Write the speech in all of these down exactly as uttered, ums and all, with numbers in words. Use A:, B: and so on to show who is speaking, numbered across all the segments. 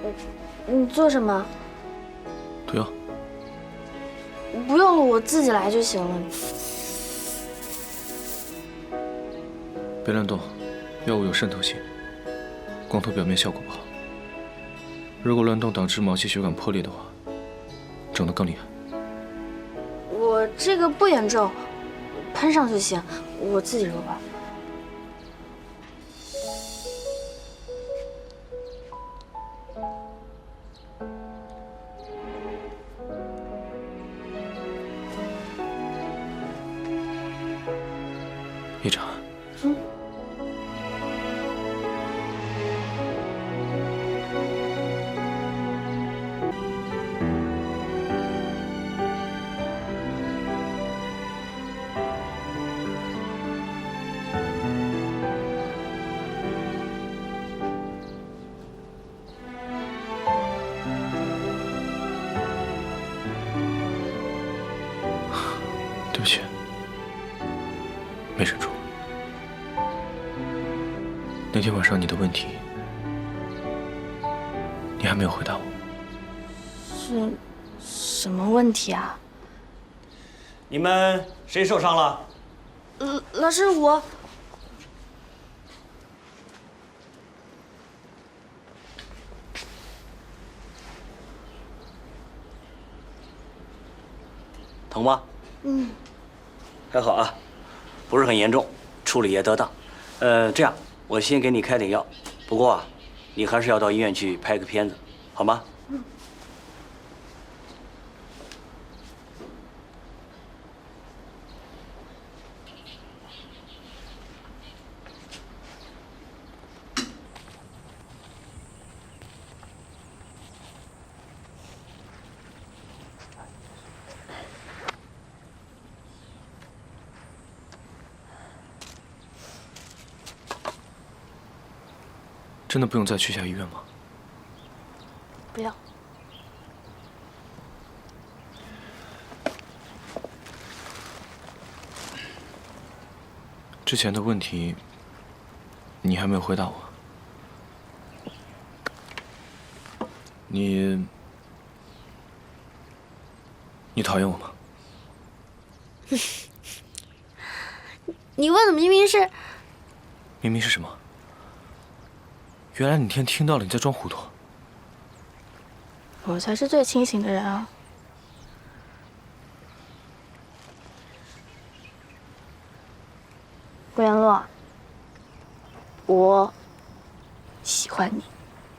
A: 你做什么？
B: 毒药。
A: 不用了，我自己来就行了。
B: 别乱动，药物有渗透性，光涂表面效果不好。如果乱动导致毛细血管破裂的话，肿得更厉害。
A: 我这个不严重，喷上就行，我自己揉吧。
B: 叶长，
A: 嗯，
B: 对不起，没忍住。 那天晚上你的问题，你还没有回答我。
A: 是什么问题啊？
C: 你们谁受伤了？
A: 呃，老师我。
C: 疼吗？
A: 嗯，
C: 还好啊，不是很严重，处理也得当。呃，这样。 我先给你开点药，不过啊，你还是要到医院去拍个片子，好吗？嗯。
B: 真的不用再去下医院吗？
A: 不要。
B: 之前的问题，你还没有回答我。你，你讨厌我吗？
A: 你问的明明是……
B: 明明是什么？ 原来你天听到了，你在装糊涂。
A: 我才是最清醒的人啊！顾言洛，我喜欢你。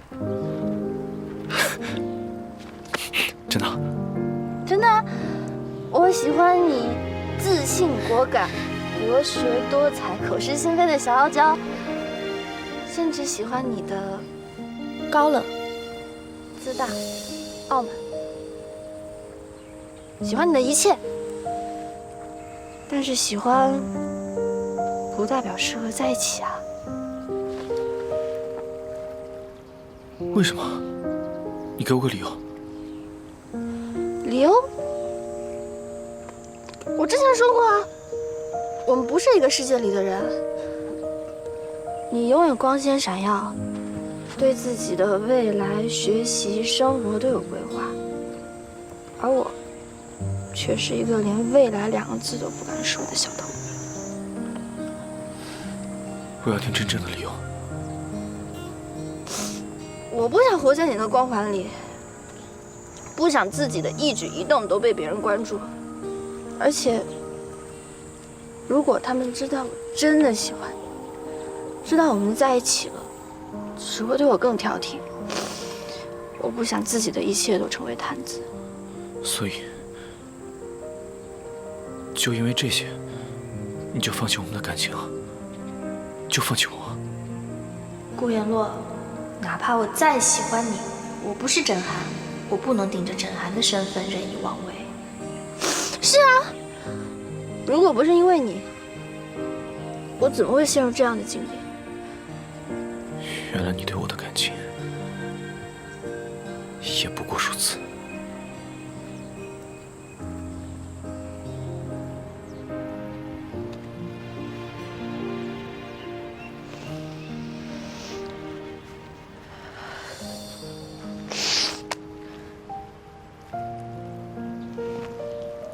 B: 真的？
A: 真的啊！我喜欢你自信果敢、博学多才、口是心非的小傲娇。 甚至喜欢你的高冷、自大、傲慢，喜欢你的一切。但是喜欢不代表适合在一起啊。
B: 为什么？你给我个理由。
A: 理由？我之前说过啊，我们不是一个世界里的人。 你永远光鲜闪耀，对自己的未来、学习、生活都有规划，而我却是一个连未来两个字都不敢说的小透明。
B: 我要听真正的理由。
A: 我不想活在你的光环里，不想自己的一举一动都被别人关注，而且，如果他们知道我真的喜欢你。 知道我们在一起了，只会对我更挑剔。我不想自己的一切都成为谈资。
B: 所以，就因为这些，你就放弃我们的感情啊？就放弃我？
A: 顾言洛，哪怕我再喜欢你，我不是甄寒，我不能顶着甄寒的身份任意妄为。是啊，如果不是因为你，我怎么会陷入这样的境地？
B: 原来你对我的感情也不过如此。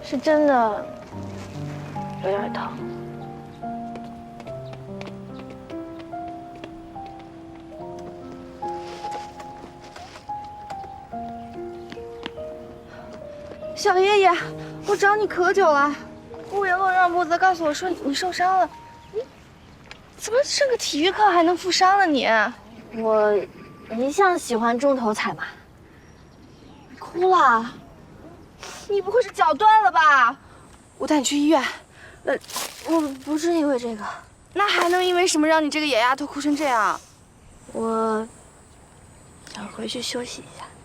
A: 是真的有点疼。小爷爷，我找你可久了，顾云洛让步子告诉我说你受伤了，你怎么上个体育课还能负伤了你？我一向喜欢中头彩嘛。哭了？你不会是脚断了吧？我带你去医院。呃，我不是因为这个。那还能因为什么让你这个野丫头哭成这样？我想回去休息一下。